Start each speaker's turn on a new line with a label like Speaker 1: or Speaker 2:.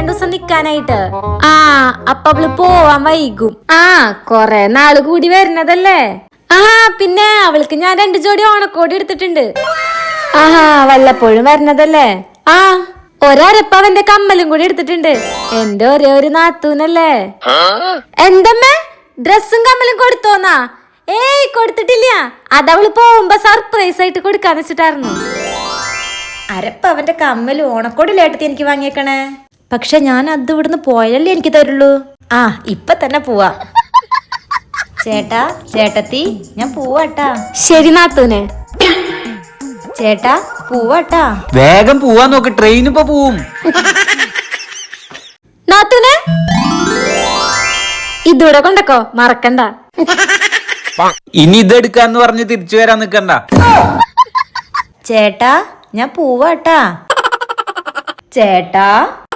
Speaker 1: ദിവസം നിക്കാനായിട്ട്. ആ അപ്പൊ അവള് പോവാൻ വൈകും. ആ കൊറേ നാള് കൂടി വരുന്നതല്ലേ. ആ പിന്നെ അവൾക്ക് ഞാൻ 2 ജോഡി ഓണക്കോടി എടുത്തിട്ടുണ്ട്. ആഹാ വല്ലപ്പോഴും വരണതല്ലേ. ആ ഒരപ്പവന്റെ കമ്മലും കൂടി എടുത്തിട്ടുണ്ട്. എന്റെ ഒരേ ഒരു നാത്തൂനല്ലേ. എന്തമ്മേ ഡ്രസ്സും കമ്മലും കൊടുത്തോന്നാ? ഏയ് കൊടുത്തിട്ടില്ല. അതവള് പോകുമ്പോ സർപ്രൈസ് ആയിട്ട് കൊടുക്കാന്ന് വെച്ചിട്ടായിരുന്നു.
Speaker 2: അരപ്പവന്റെ കമ്മലും ഓണക്കോടിലേട്ടത്തി എനിക്ക് വാങ്ങിയേക്കണേ. പക്ഷെ ഞാൻ അത് ഇവിടുന്ന് പോയാലേ എനിക്ക് തരുള്ളൂ. ആ ഇപ്പൊ തന്നെ പോവാ. ചേട്ടാ ചേട്ടത്തി ഞാൻ പോവാട്ടാ.
Speaker 1: ശരി നാത്തൂനെ.
Speaker 2: ചേട്ടാ പോവാട്ടാ.
Speaker 3: വേഗം പോവാൻ നോക്ക്, ട്രെയിൻ ഇപ്പൊ പോവും.
Speaker 1: നാത്തൂനെ ഇതൂടെ കൊണ്ടക്കോ, മറക്കണ്ട.
Speaker 3: ഇനി ഇതെടുക്കാന്ന് പറഞ്ഞ് തിരിച്ചു വരാൻ നിക്കണ്ട.
Speaker 2: ചേട്ടാ ഞാൻ പോവാട്ടാ. ചേട്ടാ